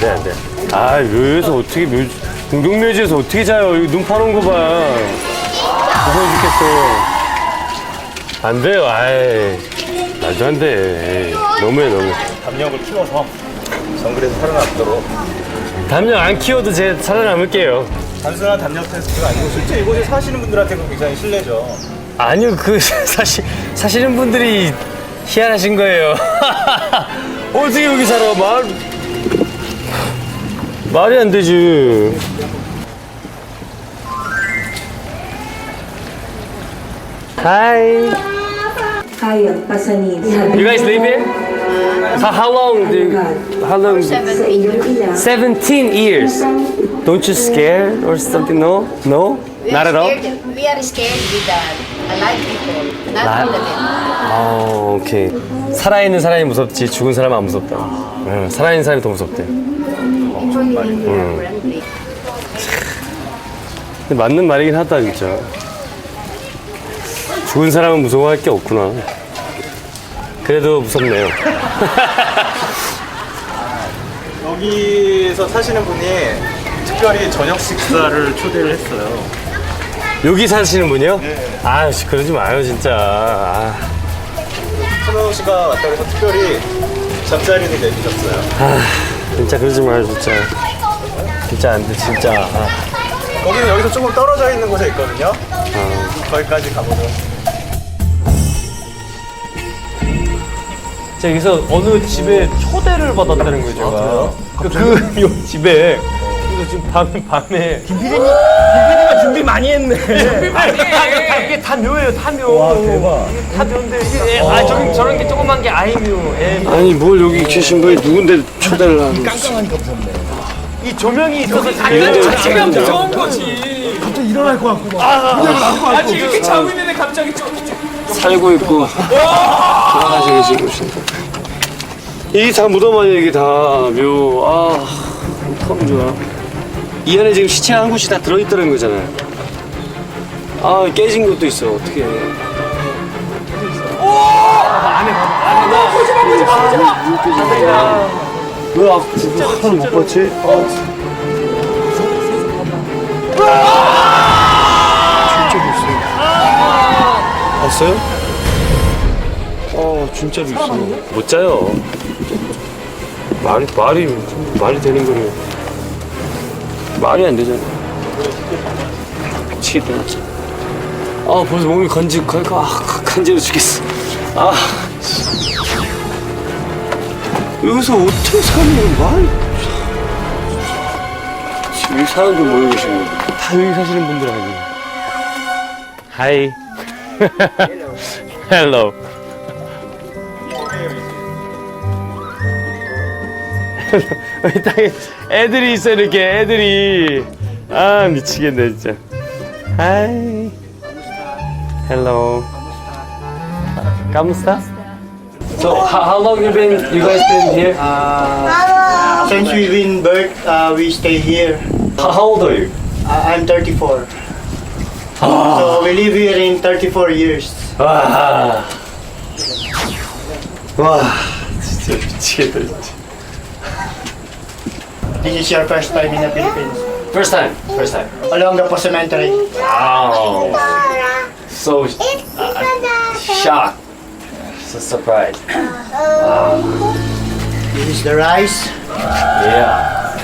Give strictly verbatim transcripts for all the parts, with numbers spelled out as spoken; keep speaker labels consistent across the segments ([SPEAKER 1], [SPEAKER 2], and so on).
[SPEAKER 1] 돼, 안 돼. 아, 묘에서 어떻게, 묘, 공동묘지에서 어떻게 자요? 여기 눈 파놓은 거 봐. 무서워 죽겠어. 안 돼요, 아이. 말도 안 돼. 에이, 너무해, 너무해.
[SPEAKER 2] 담력을 키워서 정글에서 살아남도록.
[SPEAKER 1] 담력 안 키워도 제 살아남을게요.
[SPEAKER 2] 단순한 담력 테스트가 아니고 실제 이곳에 사시는 분들한테는 굉장히 신뢰죠.
[SPEAKER 1] 아니요, 그, 사실, 사시는 분들이 희한하신 거예요. 어떻게 여기 살아? 말, 말이 안 되지. Hi.
[SPEAKER 3] Kaya pasanin.
[SPEAKER 1] You guys live here? How, how long do you, how long?
[SPEAKER 3] Sa iyong ina.
[SPEAKER 1] seventeen years. Don't you scared or something? No? No?
[SPEAKER 4] We
[SPEAKER 1] Not
[SPEAKER 4] are
[SPEAKER 1] at all?
[SPEAKER 4] scared, we are scared with the alive people, not
[SPEAKER 1] Alive?
[SPEAKER 4] with the dead.
[SPEAKER 1] 아, 오케이. 살아있는 사람이 무섭지 죽은 사람은 안 무섭다. 응, 살아있는 사람이 더 무섭대.
[SPEAKER 4] Actually, we are friendly.
[SPEAKER 1] 근데 맞는 말이긴 하다, 진짜. 죽은 사람은 무서워할 게 없구나. 그래도 무섭네요.
[SPEAKER 2] 여기서 사시는 분이 특별히 저녁 식사를 초대를 했어요.
[SPEAKER 1] 여기 사시는 분이요?
[SPEAKER 2] 네.
[SPEAKER 1] 아, 그러지 마요, 진짜. 아,
[SPEAKER 2] 손호영 씨가 왔다고 해서 특별히 잠자리를 내주셨어요.
[SPEAKER 1] 아, 진짜 그러지 마요, 진짜. 진짜 안 돼, 진짜. 아.
[SPEAKER 2] 거기는 여기서 조금 떨어져 있는 곳에 있거든요. 거기까지 가보죠.
[SPEAKER 1] 제가 여기서 어느 집에 초대를 받았다는 거예요, 제가. 그, 그, 요 집에. 그래서 지금 밤, 밤에. 김 피디님, 김 피디가 준비 많이 했네. 준비 많이 해. 다, 이게 다 묘예요, 다 묘. 와, 대박. 이게 다 묘인데, 이게, 아, 저기, 저런 게 조그만 게 아이묘. 예. 아니, 뭘 여기 계신 분이 누군데 초대를 하는 거지? 깜깜하니까 무섭네. 이 조명이 있어서 자연 자체가 무서운 거지. 갑자기 일어날 것 같고. 막. 아, 아니, 이렇게 자고 있는데 갑자기 좀. 살고 있고. 돌아가시고 계신 곳인데. 이게 다 무덤 아니야, 이게 다 묘. 아, 참 좋아. 이 안에 지금 시체 한 곳이 다 들어있다는 거잖아요. 아, 깨진 것도 있어. 어떻게 해. 오! 안에, 안에, 나. 거짓말, 거짓말, 거짓말. 왜 아, 진짜 하나 못 봤지? 아, 진짜로 있어요. 봤어요? 아, 진짜로 있어. 못 자요. 말이 말이 말이 되는 거는 말이 안 되잖아. 미치겠다. 아, 벌써 몸이 간지 간, 아, 간지러 죽겠어. 아. 여기서 어떻게 사는 거야? 여기 사람들 모여 계시는 분들. 다 여기 사시는 분들 아니에요. 하이. 헬로. 여기 땅에 애들이 있어, 이렇게 애들이. 아, 미치겠네, 진짜. 하이. 헬로. 까무스타? So how, how long you been? You guys been here?
[SPEAKER 5] Uh, since we've been birth, uh, we stay here.
[SPEAKER 1] How, how old are you?
[SPEAKER 5] Uh, I'm thirty-four. So we live here in thirty-four years.
[SPEAKER 1] 와, 와, 진짜 미치겠다, 진짜.
[SPEAKER 5] This is your first time in the Philippines.
[SPEAKER 1] First time, first time.
[SPEAKER 5] Olongapo Cemetery.
[SPEAKER 1] Wow, so uh, shocked, so surprised.
[SPEAKER 5] This is the rice.
[SPEAKER 1] Yeah.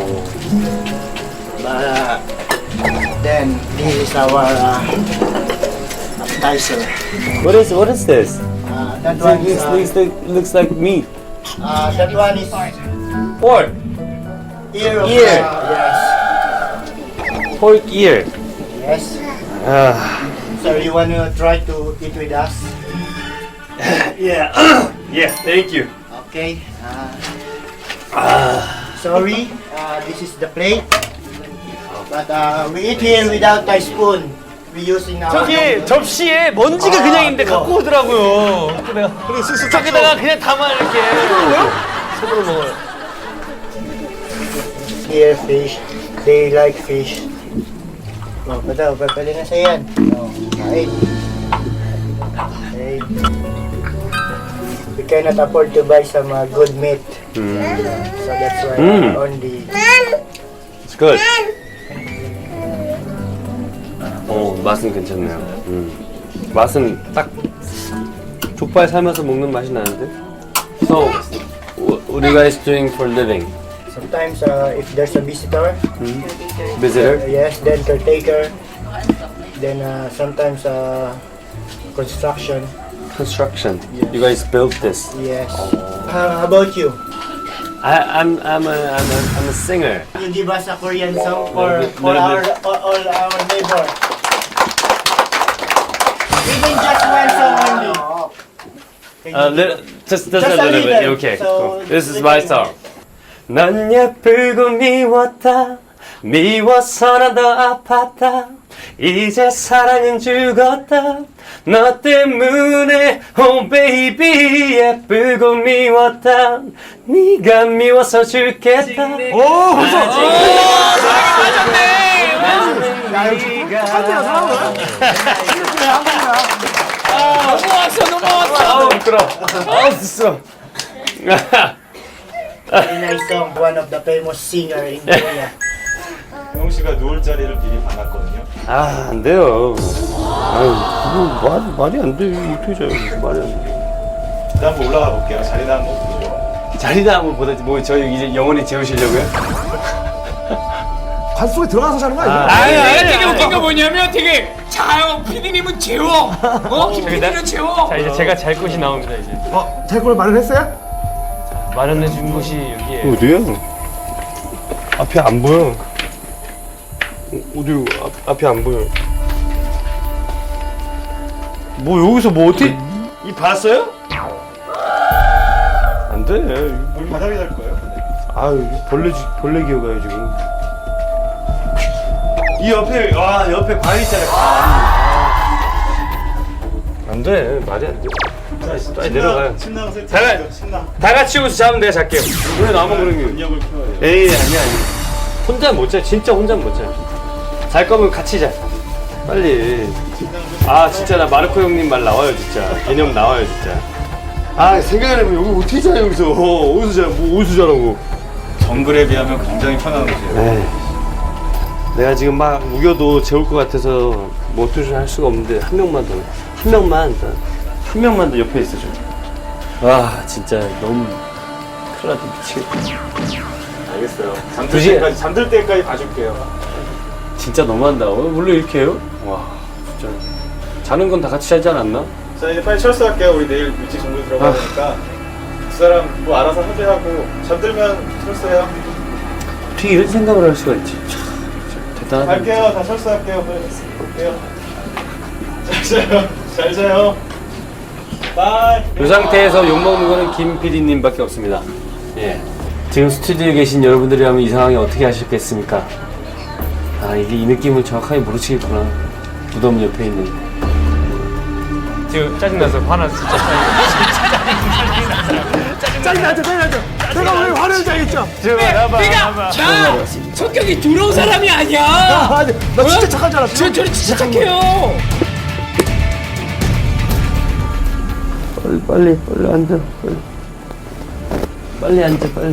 [SPEAKER 5] Uh, then this is our uh, appetizer.
[SPEAKER 1] What is what is this?
[SPEAKER 5] Uh, that
[SPEAKER 1] It
[SPEAKER 5] one is
[SPEAKER 1] looks,
[SPEAKER 5] uh,
[SPEAKER 1] looks like looks like meat.
[SPEAKER 5] uh, that one is
[SPEAKER 1] Pork,
[SPEAKER 5] ear of
[SPEAKER 1] Ear.
[SPEAKER 5] Uh,
[SPEAKER 1] pork ear.
[SPEAKER 5] yes. Yes.
[SPEAKER 1] Ah,
[SPEAKER 5] So you want to try to eat with us?
[SPEAKER 1] yeah, yeah. Thank you.
[SPEAKER 5] Okay. Uh, sorry, uh, this is the plate. But uh, we eat here without a spoon. We using our
[SPEAKER 1] 저기 접시에 먼지가 그냥 있는데 갖고 오더라고요. 그래서 내가 그리고 쓱쓱 저기다가 그냥 담아 이렇게. 손으로 먹어요.
[SPEAKER 5] here fish. They like fish. Oh, pataw, papali na sa yan. Oh, kain. Okay. we cannot afford to buy some uh, good meat.
[SPEAKER 1] 음.
[SPEAKER 5] So that's why
[SPEAKER 1] Mm.
[SPEAKER 5] uh, only.
[SPEAKER 1] It's good. 어, 맛은 괜찮네요. 음. 맛은 딱 족발 삶아서 먹는 맛이 나는데. So, what are you guys doing for living?
[SPEAKER 5] Sometimes uh, if there's a visitor,
[SPEAKER 1] Visitor?
[SPEAKER 5] yes, then caretaker. Then uh, sometimes uh, construction.
[SPEAKER 1] Construction. You guys built this.
[SPEAKER 5] Yes. Uh, how about you?
[SPEAKER 1] I, I'm I'm a I'm a I'm a singer.
[SPEAKER 5] You give us a Korean song for,
[SPEAKER 1] Little bit-
[SPEAKER 5] for
[SPEAKER 1] little
[SPEAKER 5] our
[SPEAKER 1] bit.
[SPEAKER 5] all, all our neighbors. Even just one song only. Can
[SPEAKER 1] Uh,
[SPEAKER 5] you
[SPEAKER 1] li- just just,
[SPEAKER 5] Just
[SPEAKER 1] a
[SPEAKER 5] a
[SPEAKER 1] little bit.
[SPEAKER 5] little.
[SPEAKER 1] Okay.
[SPEAKER 5] So,
[SPEAKER 1] cool. This is
[SPEAKER 5] little
[SPEAKER 1] my
[SPEAKER 5] bit.
[SPEAKER 1] song. 넌 예쁘고 미웠다. 미워서 난 더 아팠다. 이제 사랑은 죽었다. 너 때문에 oh baby 예쁘고 미웠다. 네가 미워서 죽겠다. 오 벌써
[SPEAKER 6] 넘어왔어 넘어왔어.
[SPEAKER 1] 아우 미끄러. 아우 쓰쓰러.
[SPEAKER 5] Very nice song. One of the famous singer in Korea.
[SPEAKER 2] 형 씨가 누울 자리를 미리 봐놨거든요.
[SPEAKER 1] 아, 안 돼요. 아유, 그거 말, 말이 안 돼. 어떻게 자요? 말이 안 돼.
[SPEAKER 2] 일단 한번 올라가 볼게요. 자리나 한번 보죠.
[SPEAKER 1] 자리나 한번 보다, 뭐, 저희 이제 영원히 재우시려고요?
[SPEAKER 7] 관 속에 들어가서 자는 거 아니야?
[SPEAKER 6] 아니 아니 되게 웃긴 거 뭐냐면 되게 자요 피디님은 재워. 어? 김 피디는 재워.
[SPEAKER 1] 자, 이제 제가 잘 곳이 나옵니다, 이제.
[SPEAKER 7] 어, 잘 걸 마련했어요?
[SPEAKER 1] 마련해 준 곳이 여기에.
[SPEAKER 8] 어디야? 앞이 안 보여. 어디 앞, 앞이 안 보여. 뭐 여기서 뭐 어떻게 이 봤어요? 안 돼.
[SPEAKER 2] 여기 바닥에 잘 거예요.
[SPEAKER 8] 아유 벌레 지- 벌레 기어가요 지금. 이 옆에 와 옆에 방 있잖아. 안 돼. 말이 안 돼.
[SPEAKER 2] 빨리
[SPEAKER 8] 내려가요.
[SPEAKER 2] 신나고 세트.
[SPEAKER 1] 잘-
[SPEAKER 2] 신나.
[SPEAKER 1] 다 같이 여기서 자면 내가 잘게요. 왜 나만 그런 게.
[SPEAKER 2] 근력을 키워야 돼요.
[SPEAKER 8] 에이 아니야 아니.
[SPEAKER 1] 혼자 못 자, 진짜 혼자 못 자. 잘 거면 같이 자. 빨리. 아, 진짜 나 마르코 형님 말 나와요, 진짜. 개념 나와요, 진짜.
[SPEAKER 8] 아 생각해보면 여기 어떻게 자 여기서 어디서 자 뭐 어디서 자라고.
[SPEAKER 2] 정글에 비하면 굉장히 편한 곳이에요.
[SPEAKER 8] 에이. 내가 지금 막 우겨도 재울 것 같아서 뭐 어떻게 할 수가 없는데 한 명만 더, 한 명만 더, 한 명만 더 옆에 있어줘.
[SPEAKER 1] 와, 진짜 너무 큰일 났다, 미치겠다.
[SPEAKER 2] 알겠어요. 잠들
[SPEAKER 1] 굳이-
[SPEAKER 2] 때까지 잠들 때까지 봐줄게요.
[SPEAKER 1] 진짜 너무한다. 어, 원래 이렇게 해요? 와, 진짜. 자는 건 다 같이 자지 않았나?
[SPEAKER 2] 자 이제 빨리 철수할게요. 우리 내일 일찍 정글 들어가야 되니까 두 사람 뭐 알아서 합의하고 잠들면 철수해요.
[SPEAKER 1] 어떻게 이런 생각을 할 수가 있지? 참, 진짜 대단하다.
[SPEAKER 2] 갈게요. 다 철수할게요. 빨리 갈게요. 잘 자요. 잘 자요. 바이.
[SPEAKER 1] 이 상태에서 욕먹는 거는 김 피디님밖에 없습니다. 예. 지금 스튜디오에 계신 여러분들이라면 이 상황에 어떻게 하셨겠습니까? 아, 이게 이 느낌을 정확하게 모르시겠구나. 무덤 옆에 있는. 지금 짜증나서 화나서 진짜
[SPEAKER 7] 짜증나죠, 짜증나죠. 내가 왜 화를 자겠죠?
[SPEAKER 6] 네가 나 성격이 두려운 사람이 아니야.
[SPEAKER 7] 아니, 나 진짜 착한 줄 알았어.
[SPEAKER 6] 저 저는 진짜 착해요.
[SPEAKER 8] 빨리 빨리 빨리 앉아. 빨리.
[SPEAKER 1] 빨리 앉아, 빨리.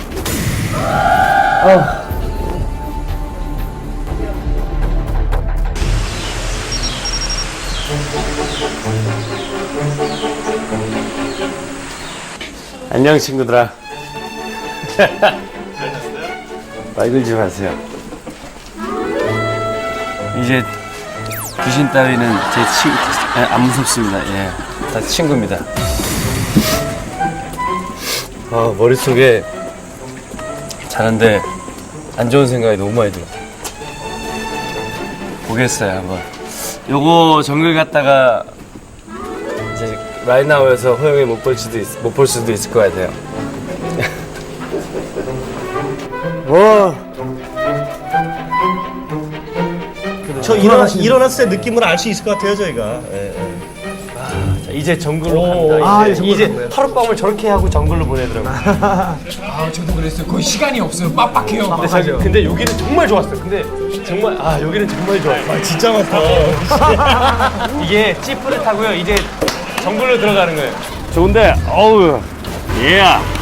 [SPEAKER 1] 안녕, 친구들아. 말 걸지 마세요. 이제 귀신 따위는 제 친구, 안 무섭습니다. 예. 다 친구입니다. 아, 머릿속에 자는데 안 좋은 생각이 너무 많이 들어. 보겠어요, 한번. 요거 정글 갔다가 이제 라인아웃에서 호영이 못 볼 수도 있, 못 볼 수도 있을 것 같아요.
[SPEAKER 8] 와.
[SPEAKER 7] 저 일어나, 일어났을 때 느낌을 알 수 있을 것 같아요, 저희가.
[SPEAKER 1] 자, 이제 정글로 갑니다.
[SPEAKER 7] 아,
[SPEAKER 1] 이제,
[SPEAKER 7] 이제 정글로
[SPEAKER 1] 이제
[SPEAKER 7] 간 거예요?
[SPEAKER 1] 하룻밤을 저렇게 하고 정글로 보내더라고요.
[SPEAKER 6] 아 저도 그랬어요. 거의 시간이 없어요. 빡빡해요.
[SPEAKER 1] 근데, 저, 근데 여기는 정말 좋았어요. 근데 정말 아 여기는 정말 좋아요.
[SPEAKER 7] 아, 진짜 많다.
[SPEAKER 1] 이게 찌뿌듯하고요. 이제 정글로 들어가는 거예요.
[SPEAKER 8] 좋은데 어우 예